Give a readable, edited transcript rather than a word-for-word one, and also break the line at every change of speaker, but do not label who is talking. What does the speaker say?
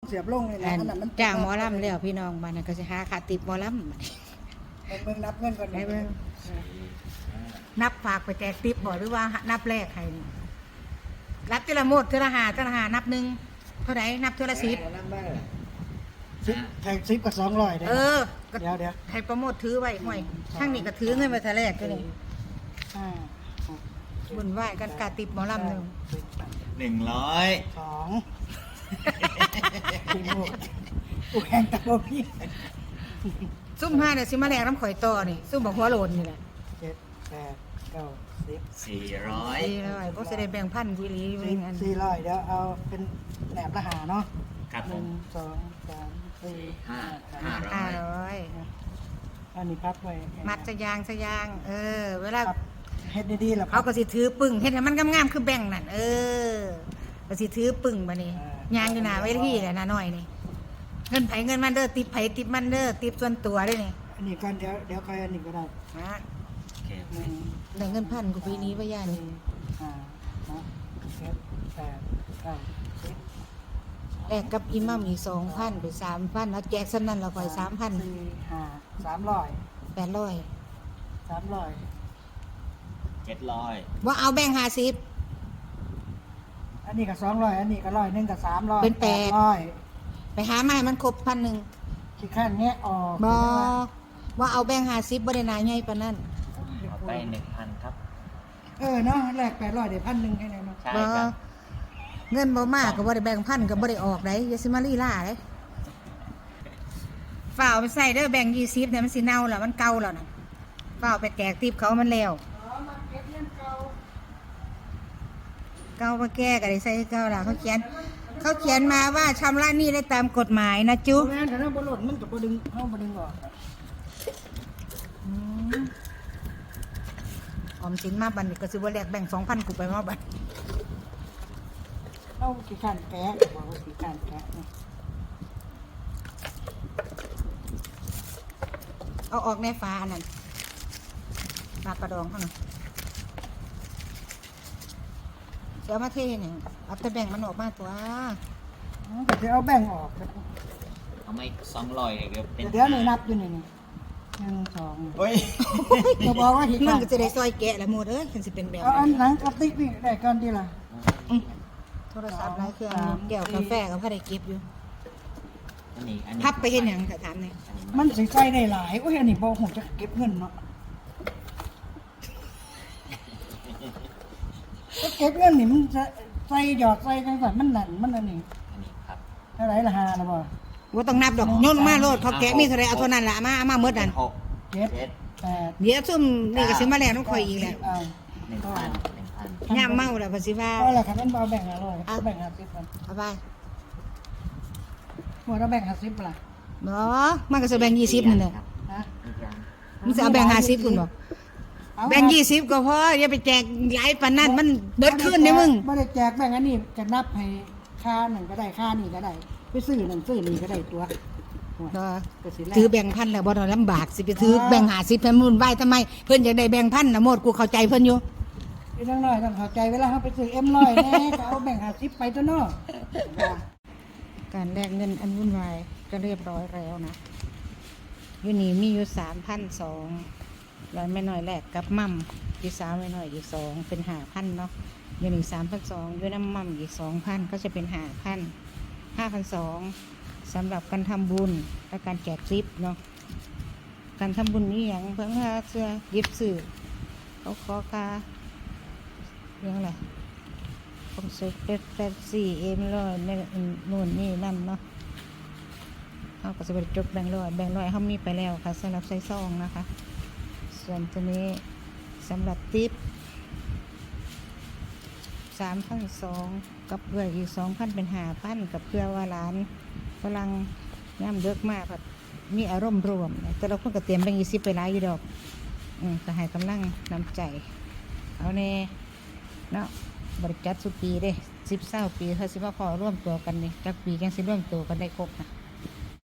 เสียบลงเลยนะอันนั้นมัน
จ้างหมอลำแล้วพี่น้องบ้านนั้นก็สิหาค่าติปหมอลำ
เบิ่งนับเงินก่อน
ได้เบิ่งนับฝากไปแจกติปบ่หรือว่านับแรกให้รับทีละหมดทีละหานับหนึ่งเท่าไหร่นับทีละ10
แทง10กับ200ได้
เออ
เดี๋ยว
ให้โปรโมทถือไว้ห่วยทั้งนี้ก็ถือเงินมาแต่แรกก็นี่
5
บุญไหว้กันกาติปหมอลำหนึ่ง
100
2พี่โมกกูแข่งตะโบพี่
ซุ่มห้าเนี่ยสิมาแลกน้ำข่อยต่อนี่ซุ่มบอกหัวโลนนี่แหละ
7 8 9 10
400
ดีเลยก็จะได้แบ่งพันวิลีอยู่ในงั้น
400เดี๋ยวเอาเป็นแหนบละหาเนาะ
ครับผม
1 2 3 4 5
500
อันนี้พับไว้
มัดสยางเวลา
เฮ็ดดีๆแล้ว
เขาก็สิถือปึ้งเฮ็ดให้มันงามๆคือแบ่งนั่นก็สิถือปึ้งบัดนี้ยางอยู่หน้าเวทีแหละน้าน้อยนี่เงินไผเงินมันเด้อติปไผติปมันเด้อติปส่วนตัวเด้อนี่
อันนี้ก่อนเดี๋ยวค่อยอันนี้ก็ได้
นะ
โอเค
ได้เงินพันกูปีนี้ว่าย่านี่ แลกกับอิหมัมอีก2,000ไป3,000แล้วแจกซั่นนั้นเราค่อย3,000 800
700
ว่าเอาแบ่ง50
อันนี้ก็200อันนี้ก็100นึงก็300
เป็น
800
ไปหามาให้มันครบ1,000
ขี้ข้านแงะออก
บ่ว่าเอาแบ่ง50บ่ได้หนาใหญ่ปานนั้น
เอาไป 1,000 ครับ
เนาะแลก800เดี๋ยว1,000แค่นั้นเนาะ
ใช่
บ่
ครับ
เงินบ่มากก็บ่ได้แบ่งพันก็บ่ได้ออกได้อย่าสิมาลีลาเด้ฝ้าวไปใส่เด้อแบ่ง20เนี่ยมันสิเน่าแล้วมันเก่าแล้วน่ะฝ้าวไปแจกติปเขามันแล้วเก่าบ่แก้ก็ได้ใส่เก่าล่ะเขาเขียนมาว่าชำระหนี้ได้ตามกฎหมายนะจุ
แม่นแต่ถ้าบ่หล่นมันก็บ่ดึงเฮาบ่ดึงออก
ออมสินมาบัดนี้ก็สิบ่แลกแบ่ง 2,000กูไปมาบัด
เฮาขี้ข้านแกะบอกว่าขี้ข้านแกะนี่
เอาออกในฟ้าอันนั้นปลากระดองเท่านั้นเสียมาเทเนี่ยเอาแต่แบ่งมันออกมาตัว
ก็สิเอาแบ่งออก
เอาไม่200เดี๋ยวเป็น
เดี๋ยวนี่นับอยู่นี่1 2
เฮ้ย
ก็บอกว่าขี้
มั
ข้าน น
ก็จะได้ซอยแกะละหมดมันสิเป็นแบบ
เอาอันหนังกระติกนี่ได้ก่อนดีล่ะ
โทรศัพท์หลายเครื่องแก้วกาแฟก็พอได้เก็บอยู่
อันนี้
พับไปเห็นหยังก็ถามเนี่ย
มันสิใส่ได้หลายโอ้ยอันนี้บ่ฮู้จะเก็บเงินเนาะก็เก็บเงินนี่มันจะใส่หยอดใส่จังซั่นมันนั่นมันอันนี้
อันนี้ครับ
เท่าไหร่ละ5ล่ะบ่
ว่าต้องนับดอกโยนลงมาโลดเขาแกะมีเท่าไรเอาเท่านั้นละเอามาเมื่อนั้น
6
7
7
8
เดี๋ยวซุ่มนี่ก็สิมาแล้วต้องคอยอีกแหละ
1,000
ย่ามเมาแล้วภาษีว่า
ก็ละคันนั้นบ่แบ่ง500แบ่ง50กัน
เอาไป
หัวเราแบ่ง50ป่ะล่ะ
บ่มันก็จะแบ่ง20นั่นแหละ
ฮะ
มันจะเอาแบ่ง50คุณบ่แบ่ง20ก็พออย่าไปแจกหลายปานนั้นมันเบิดขึ้นเด้มึง
บ่ได้แจกแบ่งอันนี้จะนับให้ค่านั่นก็ได้ค่านี่ก็ได้ไปซื้อนั่นซื้อนี่ก็ได้ตัวก็สิแล้ว
ถือแบ่งพันแล้วบ่ต้องลำบากสิไปถือแบ่ง50เพิ่นมุ่นไหวทำไมเพิ่นอยากได้แบ่งพันน่ะหมดกูเข้าใจเพิ่นอยู่
พี่น้องน้อยต้องเข้าใจเวลาเฮาไปซื้อ M100 แน่ก็เอาแบ่ง50ไปตัวเนาะ
การแลกเงินอันวุ่นวายก็เรียบร้อยแล้วนะอยู่นี่มีอยู่3,200แล้วไม่น้อยแลกกับมั่มอยู่3ไม่น้อยอีก2เป็น5,000เนาะอยู่นี่3,200อยู่น้ำมั่มอีก2,000ก็จะเป็น5,200สำหรับการทำบุญและการแจกซิปเนาะการทำบุญนี้อย่างเพิ่งค่าเสื้อยิบสื่อเขาขอค่าเรื่องอะไรผมซื้อเป็น4 M100ในนู่นนี่นั่นเนาะเขาก็จะไปจบแบงค์ร้อยเขามีไปแล้วค่ะสำหรับใส่ซองนะคะ ส่วนตัวนี้สำหรับทิป3,200กับเพื่ออีก2,000เป็น5,000กับเพื่อว่าร้านกำลังย่ำเยอะมากค่ะมีอารมณ์รวมแต่เราเพิ่งก็เตรียมแบงค์20ไปหลายอยู่ดอกก็ให้กำลังน้ำใจเอาเน่เนาะบริจาคสุปีเด้10-20 ปีเขาสิมาขอร่วมตัวกันนี่จักปีกันสิร่วมตัวกันได้ครบนะ